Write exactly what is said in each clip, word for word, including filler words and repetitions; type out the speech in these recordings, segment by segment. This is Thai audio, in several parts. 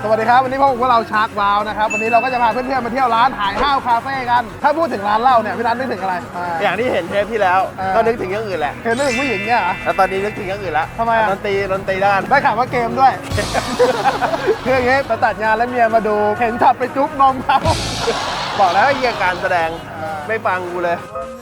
สวัสดีครับวันนี้พวกเราชาร์กวาวนะครับวันนี้เราก็จะพาเพื่อนๆมาเที่ยวร้านหายห้าวคาเฟ่กันถ้าพูดถึงร้านเหล้าเนี่ยพี่นัทนึกถึงอะไรอย่างที่เห็นเทปที่แล้วก็นึกถึงอย่างอื่นแหละเห็นนึกถึงผู้หญิงเนี่ยเหรอแล้วตอนนี้นึกถึงอย่างอื่นแล้วทำไมอ่ะดนตรีดนตรีด้านได้ข่าวว่าเกมด้วย คืออย่างงี้ไปตัดงานแล้วเมียมาดูเห็นช็อตไปจุ๊บนมเขาบอกแล้วไอ้เหี้ยการแสดงไม่ฟังกูเลย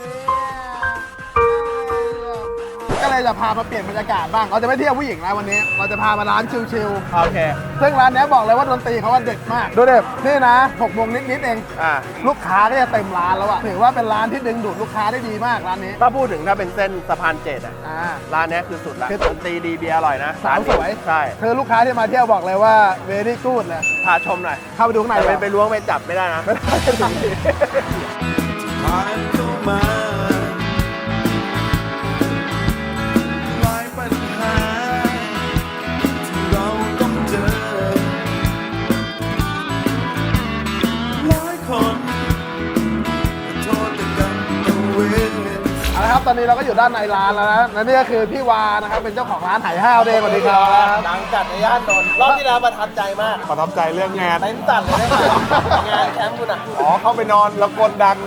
ก็เลยจะพามาเปลี่ยนบรรยากาศบ้างเราจะไม่เที่ยวผู้หญิงแล้ววันนี้เราจะพามาร้านชิลโอเคๆซึ่งร้านนี้บอกเลยว่าดนตรีเขาว่าเด็ดมากดูเด็ดนี่นะหกโมงนิดๆเองอ่าลูกค้าก็จะเต็มร้านแล้วอะถือว่าเป็นร้านที่ดึงดูดลูกค้าได้ดีมากร้านนี้ถ้าพูดถึงถ้าเป็นเส้นสะพานเจ็ดอ่ะอ่าร้านเนี้ยคือสุดละคือดนตรีดีเบียร์อร่อยนะสาวสวยใช่คือลูกค้าที่มาเที่ยวบอกเลยว่า very good เลยพาชมหน่อยเข้าไปดูข้างในแต่เลไปยไปล้วงไปจับไม่ได้นะไม่ได้ไม่ได้ผ่านเข้ามาหลายปัญหาที่เราต้องเจอหลายคนขอโทษแต่กรรมเอาเวรเอาละครับตอนนี้เราก็อยู่ด้านในร้านแล้วนะและนี่ก็คือพี่วานะครับเป็นเจ้าของร้านไหห้าวเด้งสวัสดีครับหลังจัดในย่านนนท์รอบที่แล้วประทับใจมากประทับใจเรื่องงานเต้นสั่นเลยได้ไหมงานแคมป์คุณอ่ะอ๋อเข้าไปนอนแล้วกลดัง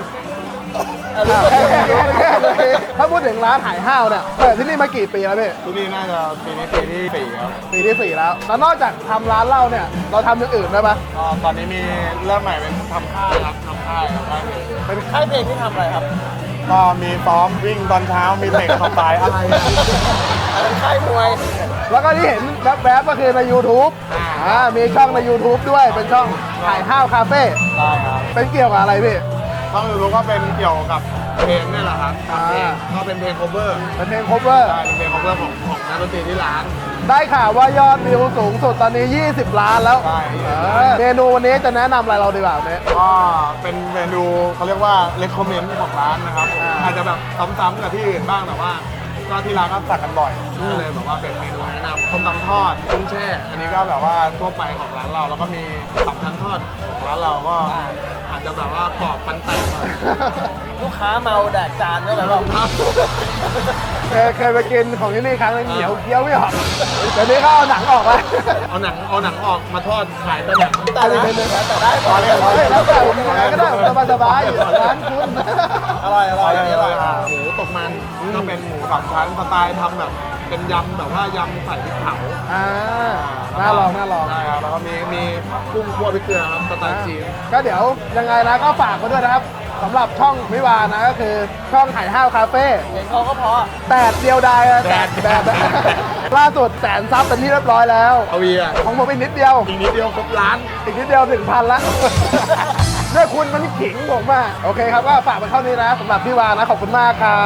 ถ้าพูดถึงร้านไหห้าวเนี่ยเปิดที่นี่มากี่ปีแล้วพี่ที่นี่น่าจะปีนี้ปีที่สี่ครับปีที่สี่แล้วแล้วนอกจากทำร้านเหล้าเนี่ยเราทำอย่างอื่นได้ปะก็ตอนนี้มีเริ่มใหม่เป็นทำค่ายครับทำค่ายครับค่ายเพลงเป็นค่ายเพลงที่ทำอะไรครับก็มีซ้อมวิ่งตอนเช้ามีเตะขอบสายอะไรอะอันนั้นค่ายมวยแล้วก็ที่เห็นแวบๆก็คือใน YouTube อ่ามีช่องใน YouTube ด้วยเป็นช่องไหห้าวคาเฟ่ได้ครับเป็นเกี่ยวกับอะไรพี่ก็คือรู้ก็เป็นเกี่ยวกับเพลงนี่แหละครับอ่าเพลงก็เป็นเพลง cover เป็นเพลง cover ใช่เป็นเพลง cover ของของนักดนตรีที่ร้านได้ข่าวว่ายอดวิวสูงสุดตอนนี้ ยี่สิบ ล้านแล้วใช่เออเมนูวันนี้จะแนะนำอะไรเราดีกว่าเนี่ยก็เป็นเมนูเขาเรียกว่า recommend ของร้านนะครับอ่าอาจจะแบบซ้ำๆกับที่อื่นบ้างแต่ว่าก็ที่ร้านก็สั่งกันบ่อยก็เลยแบบว่าเป็นเมนูแนะนำต้มตำทอดกุ้งแช่ อันนี้ก็แบบว่าทั่วไปของร้านเราแล้วก็มีสามชั้นทอดของร้านเราก็อาจจะแบบว่ากรอบปันแตกหน่อยลูกค้าเมาแดกจานด้วยเหรอครับเคยเคยไปกินของที่นี่ครั้งนึงเหนียวเคี้ยวไม่ออกเดี๋ยวนี้ก็เอาหนังออกแล้วเอาหนังเอาหนังออกมาทอดขายเป็นแบบแต่ได้แต่ได้พอเลยเฮ้ยแล้วแต่ผมยังไงก็ได้ผมสบายๆอยู่ร้านคุณอร่อยอร่อยอันนี้อร่อยหมูตกมันก็เป็นหมูสามชั้นสไตล์ทำแบบเป็นยำแบบว่ายำใส่พริกเผาอ่าน่าลองน่าลองใช่ครับแล้วก็มีมีกุ้งคั่วพริกเกลือครับสไตล์จีนก็เดี๋ยวยังไงนะก็ฝากมาด้วยนะครับสำหรับช่องวิวานะก็คือช่องไหห้าวคาเฟ่เห็นเขาก็พอแปดเดียวดายอะแปดแปดล่าสุดแสนซับเป็นที่เรียบร้อยแล้วเอาวีอ่ะของผมอีกนิดเดียวอีกนิดเดียวครบล้านอีกนิดเดียวถึงพันละเนี่ยคุณมันขิงผมอ่ะโอเคครับก็ฝากไปเท่านี้นะสำหรับพี่วานะขอบคุณมากครับ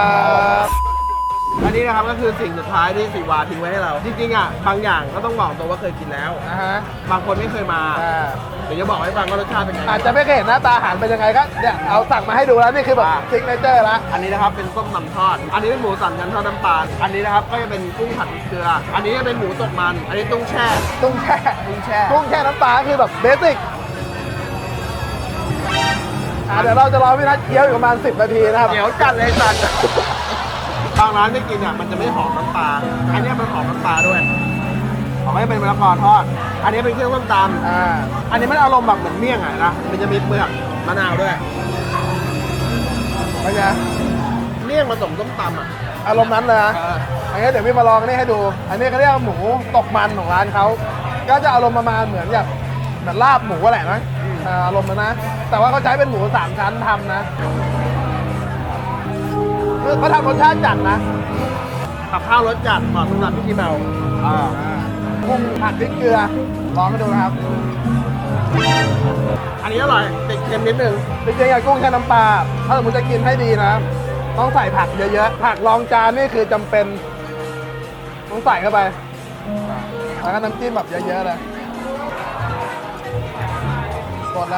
อันนี้นะครับก็คือสิ่งสุดท้ายที่สีวาทิ้งไว้ให้เรา จริงๆอ่ะบางอย่างก็ต้องบอกตัวว่าเคยกินแล้วนะฮะบางคนไม่เคยมาอ่าเดี๋ยวจะบอกให้ฟังว่ารสชาติเป็นไงอาจจะไม่เคยเห็นหน้าตาอาหารเป็นยังไงก็เนี่ยเอาสั่งมาให้ดูแล้วนี่คือแบบอ่าซิกเนเจอร์ละอันนี้นะครับเป็นส้มตำทอด อันนี้เป็นหมูสามชั้นทอดน้ำปลา อันนี้นะครับก็จะเป็นกุ้งผัดพริกเกลือ อันนี้จะเป็นหมูตกมัน อันนี้ตุ้งแช่ตุ้งแช่ตุ้งแช่กุ้งแช่น้ำปลาคือแบบเบสิกอ่าเดี๋ยวเราจะรอพี่นัทเคี้ยวอยู่ประมาณสิบนาทีนะครับเดี๋ยวจัดเลยจัด บางร้านไม่กินอ่ะมันจะไม่หอมน้ำปลา อันนี้มันหอมน้ำปลาด้วยหอมให้เป็นมะละกอทอด อันนี้เป็นเครื่องต้มตอ่าำอันนี้มันอารมณ์แบบเหมือนเมี่ยงอ่ะนะ มันจะมีเปลือกมะนาวด้วยเป็นไงเมี่ยงผสมส้มตำอ่ะอารมณ์นั้นเลยนะเอออันนี้เดี๋ยวพี่มาลองอันนี้ให้ดู อันนี้เขาเรียกว่าหมูตกมันของร้านเขาก็จะอารมณ์ประมาณเหมือนแบบเหมือนลาบหมูแหละนะอ่าอารมณ์นั้นนะ แต่ว่าเขาใช้เป็นหมูสามชั้นทำนะคือเขาทำรสชาติจัดนะกับข้าวรสจัดเหมาะสำหรับพี่ที่เมาอ่ากุ้งผัดพริกเกลือลองให้ดูนะครับอันนี้อร่อยติดเค็มนิดนึงจริงๆอะกุ้งแช่น้ำปลาถ้าสมมติจะกินให้ดีนะ ต้องใส่ผักเยอะๆ ผักรองจานนี่คือจำเป็น ต้องใส่เข้าไป แล้วก็น้ำจิ้มแบบเยอะๆเลยกดเลย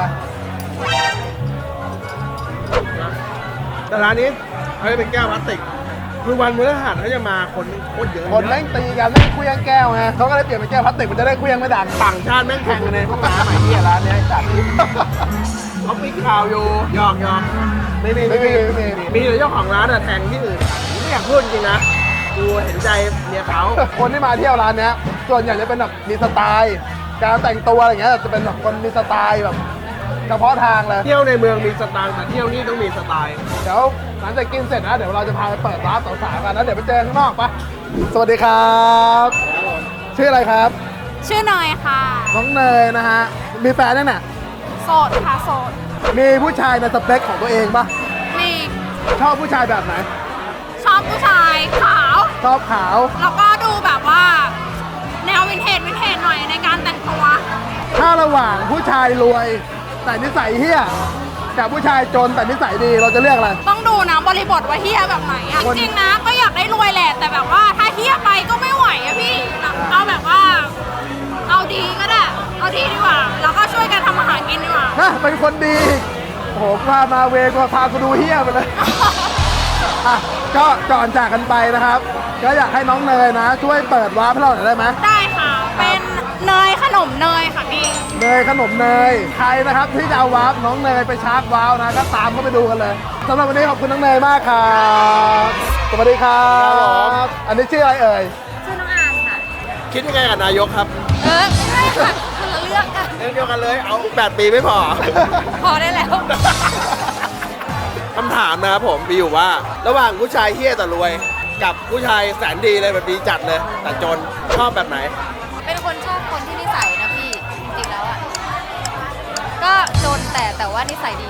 แต่ร้านนี้เขาจะเป็นแก้วพลาสติก คือวันพฤหัสเขาจะมาคนโคตรเยอะคนแม่งตีกันแม่งคุยงแก้วไงเขาก็เลยเปลี่ยนเป็นแก้วพลาสติกมันจะได้คุยงไม่ดังต่างชาติแม่งแข่งกันในห้องน้ำไอ้เหี้ยร้านเนี้ยไอ้สัตว์เขาปิดข่าวอยู่หยอกหยอกไม่มีไม่มีไม่มีไม่มีมีแต่เจ้าของร้านอะแทงที่อื่นผมไม่อยากพูดจริงนะกูเห็นใจเมียเขาคนที่มาเที่ยวร้านเนี้ยส่วนใหญ่จะเป็นแบบมีสไตล์การแต่งตัวอะไรเงี้ยจะเป็นแบบคนมีสไตล์แบบเฉพาะทางเลยเที่ยวในเมืองมีสไตล์แต่เที่ยวนี่ต้องมีสไตล์เดี๋ยวหลังจากกินเสร็จนะเดี๋ยวเราจะพาไปเปิดร้านสาวๆกันนะเดี๋ยวไปเจอข้างนอกปะสวัสดีครับชื่ออะไรครับชื่อเนยค่ะน้องเนยนะฮะมีแฟนยังเนี่ยโสดค่ะโสดมีผู้ชายในสเปคของตัวเองปะมีชอบผู้ชายแบบไหนชอบผู้ชายขาวชอบขาวแล้วก็ดูแบบว่า แนววินเทจวินเทจหน่อยในการแต่งตัวถ้าระหว่างผู้ชายรวย แต่นิสัยเฮี้ยกับผู้ชายจนแต่นิสัยดีเราจะเลือกอะไรต้องดูนะบริบทว่าเฮียแบบไหนอะคนจริงๆนะก็อยากได้รวยแหละ แต่แบบว่าถ้าเฮียไปก็ไม่ไหวอะพี่ เอาแบบว่า เอาดีก็ได้ เอาดีดีกว่า แล้วก็ช่วยกันทำอาหารกินดีกว่านะเป็นคนดีโอ้โหพามาเวก็พากูดูเฮี้ยไปเลย อ่ะก็ก่อนจากกันไปนะครับ ก็อยากให้น้องเนยนะ ช่วยเปิดวาร์ปให้เราหน่อยได้ไหมได้ค่ะ เป็นเนยขนมเนยค่ะพี่เนยขนมเนยใครนะครับที่จะเอาวาร์ปน้องเนยไปชาร์จว้าวนะก็ตามเข้าไปดูกันเลยสำหรับวันนี้ขอบคุณน้องเนยมากครับสวัสดีครับอันนี้ชื่ออะไรเอ่ยชื่อน้องอามค่ะคิดยังไงกับนายกครับเออไม่ใช่ค่ะคนละเรื่องกันเรื่องเดียวกันเลยเอาแปดปีไม่พอพอได้แล้วคำถามนะครับผมมีอยู่ว่า ระหว่างผู้ชายเฮี้ยแต่รวย กับผู้ชายแสนดีเลยแบบดีจัดเลย แต่จนชอบแบบไหนเป็นคนชอบคนที่นิสัยนะพี่ จริงๆแล้วอ่ะ ก็จนแต่แต่ว่านิสัยดี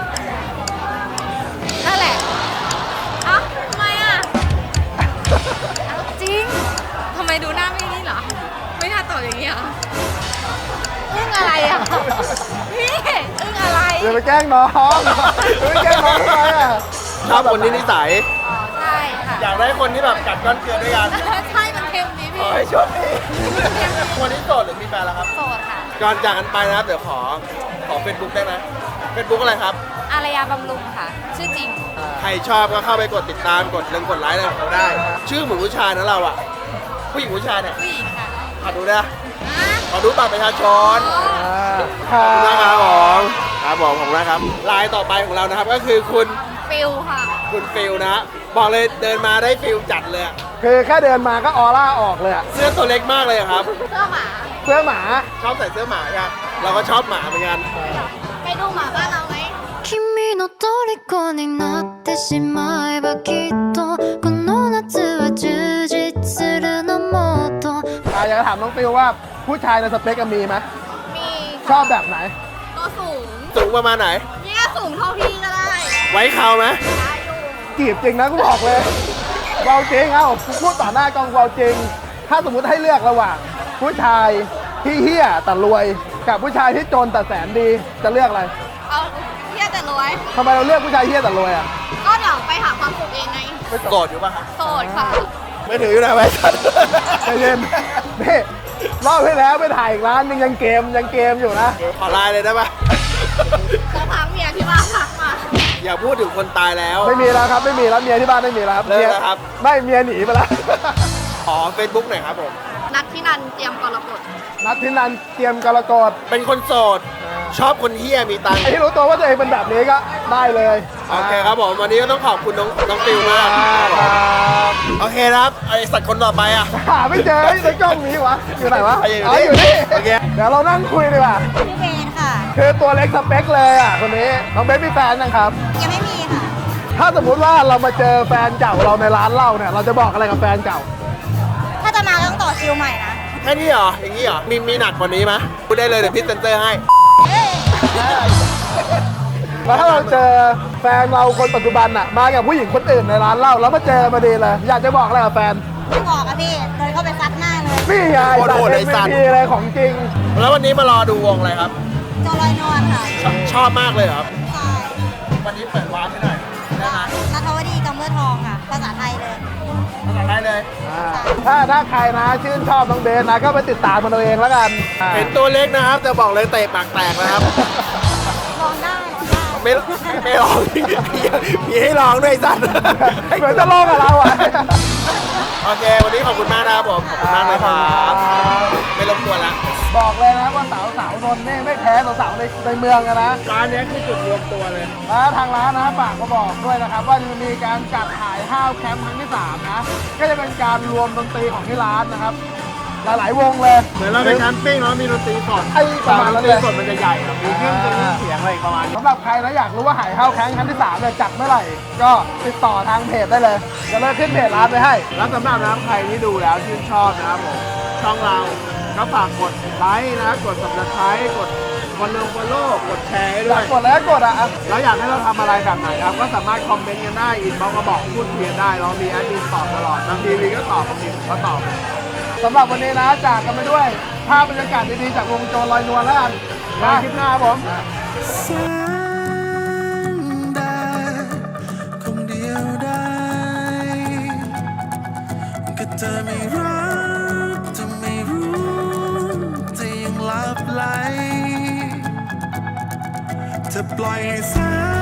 นั่นแหละเอ้าทำไมอ่ะอ้าวจริงทำไมดูหน้าไม่นี่เหรอ ไม่น่าตอบอย่างนี้เหรออึ้งอะไรอ่ะพี่อึ้งอะไรเดี๋ยวไปแกล้งน้องเดี๋ยวไปแกล้งน้องทำไมอ่ะชอบคนที่นิสัยอ๋อ ใช่ค่ะอยากได้คนที่แบบกัดก้อนเกลือด้วยกันใช่มันเค็มดีขพี่อให้โชคดีคนที่โสดหรือมีแฟนแล้วครับโสดค่ะก่อนจากกันไปนะครับ เดี๋ยวขอ ขอเฟซบุ๊กได้ไหมเฟซบุ๊กอะไรครับอารยาบำรุงค่ะ ชื่อจริงใครชอบก็เข้าไปกดติดตามกดเรื่องกดไลค์อะไรของเราได้ ชื่อเหมือนผู้ชายนะเราอะผู้หญิงผู้ชายเนี่ยผู้หญิงค่ะขอดูนะขอดูบัตรประชาชนครัขอบคุณนะครับผบมครับผมผมนะครับไลน์ต่อไปของเรานะครับก็คือคุณฟิลค่ะคุณฟิลนะฮะบอกเลยเดินมาได้ฟิลจัดเลยอะคือแค่เดินมาก็ออร่าออกเลยอะเสื้อตัวเล็กมากเลยอะครับเสื้อหมาเสื้อหมาชอบใส่เสื้อหมาใช่ไหมเราก็ชอบหมาเหมือนกันไปดูหมาบ้านเราไหม君の虜になってしまえばきっとこの夏は充実するのもっとอ่ะอยากจะถามน้องฟิวว่าผู้ชายในสเปคอะมีไหมมีชอบแบบไหนตัวสูงสูงประมาณไหนเนี่ยสูงเท่าพี่ก็ได้ไว้เขาไหมได้อยู่จีบจริงนะกูบอกเลยเบาจริงเอ้ากูพูดต่อหน้ากล้องเบาจริง ถ้าสมมติให้เลือกระหว่าง ผู้ชายที่เฮี้ยแต่รวย กับผู้ชายที่จนแต่แสนดีจะเลือกอะไรเอาเฮียแต่รวยทำไมเราเลือกผู้ชายเฮี้ยแต่รวยอ่ะก็เดี๋ยวไปหาความสุขเองไงโกรธอยู่ป่ะครับโสดค่ะไม่ถืออยู่นะไว้สัตว์ใจเย็นนี่รอบที่แล้วไปถ่ายอีกร้านนึงยังเกมยังเกมอยู่นะขอไลน์เลยได้ปะจะพักเมียที่บ้านทักมาอย่าพูดถึงคนตายแล้วไม่มีแล้วครับไม่มีแล้วเมียที่บ้านไม่มีแล้วครับเลิกมียแล้วครับไม่เมียหนีไปแล้วขอเฟซบุ๊กหน่อยครับผมนัดที่นันเตรียมกรกฎนัดที่นันเตรียมกรกฎเป็นคนโสด ชอบคนเฮี้ยมีตังค์ไอ้ที่รู้ตัวว่าตัวเองเป็นแบบนี้ก็ได้เลยโอเคครับผม วันนี้ก็ต้องขอบคุณน้องน้องฟิลมากอ่าครับโอเคนะครับไอสัตว์คนต่อไปอ่ะหาไม่เจอในกล้องนี้วะอยู่ไหนวะอ่ะอยู่นี่อ๋ออยู่นี่โอเคเดี๋ยวเรานั่งคุยดีกว่าพี่เบนค่ะคือตัวเล็กสเปคเลยอ่ะคนนี้น้องเบสมีแฟนนะครับยังไม่มีค่ะถ้าสมมุติว่าเรามาเจอแฟนเก่าเราในร้านเหล้าเนี่ยเราจะบอกอะไรกับแฟนเก่าถ้าจะมาต้องต่อคิวใหม่นะแค่นี้เหรอ อย่างนี้เหรอ มีมีหนักกว่านี้ไหมพูดได้เลยเดี๋ยวพี่เซนเซอร์ให้แล้วถ้าเราเจอแฟนเราคนปัจจุบันอ่ะมากับผู้หญิงคนอื่นในร้านเหล้าแล้วมาเจอมาดีเลยอยากจะบอกอะไรกับแฟนไม่บอกอะพี่เดินเข้าไปซัดหน้าเลยนี่ไงโคตรโหดไอ้สัสัตตว์ว์ เอ็ม วี พีเลยของจริงแล้ววันนี้มารอดูวงอะไรครับจอลอยนวลค่ะชอบชอบมากเลยเหรอครับใช่วันนี้เปิดวาร์ปให้หน่อยได้ไหมนัทวดีกำเบอร์ทองค่ะ ภาษาไทยเลยภาษาไทยเลยถ้าถ้าใครนะชื่นชอบน้องเบสนะก็ไปติดตามมันเอาเองแล้วกันอ่าเห็นตัวเล็กนะครับจะบอกเลยเตะปากแตกนะครับลองได้ลองได้ไม่ไม่ลองมีมีให้ลองด้วยไอ้สัตว์เหมือนจะโลกกับเราอ่ะโอเค วันนี้ขอบคุณมากนะครับผม ขอบคุณมากนะครับ ไม่รบกวนละบอกเลยนะว่าสาวสาวนนท์นี่ไม่แพ้สาวสาวๆในในเมืองอะนะร้านนี้คือจุดรวมตัวเลยแล้วทางร้านนะฝากมาบอกด้วยนะครับว่าจะมีการจัดขายห้าวแคมป์ครั้งที่สามนะก็จะเป็นการรวมดนตรีของที่ร้านนะครับหลายๆวงเลยเหมือนเราไปแคมปิ้งแล้วมีดนตรีสดไอ้ประมาณนั้นดนตเลรียสดมันจะใหญ่อะมีเครื่องดนตรีเสียงอะไรประมาณนี้สำหรับใครนะอยากรู้ว่าหายเข้าแข้งครั้งที่สามเนี่ยจัดเมื่อไหร่ ก็ติดต่อทางเพจได้เลยจะเลิกขึ้นเพจร้านไปให้แล้วสำหรับนะครับใครที่ดูแล้วชื่นชอบนะครับผมช่องเราก็ฝากกดไลค์นะกด subscribe กดฟอลโล่ฟอลโล่กดแชร์ให้ด้อวยยากกดแล้วก็กดอ่ะอ่ะแล้วอยากให้เราทำอะไรแบบไหนครับก็สามารถคอมเมนต์กันได้อินบ็อกซ์มาบอกพูดคุยกันได้เรามีแอดมินตอบตลอดบางทีวีก็ตอบบางทีผมก็ตอบสำหรับวันนี้นะจากกันไปด้วยภาพบรรยากาศดีๆจากวงโจรลอยนวลแล้วกันมามาคลิปหน้าครับผมแสงแดดคงเดียวได้ก็เธอไม่รักจะไม่รู้จะยังลับไหลเธอปล่อยให้แสง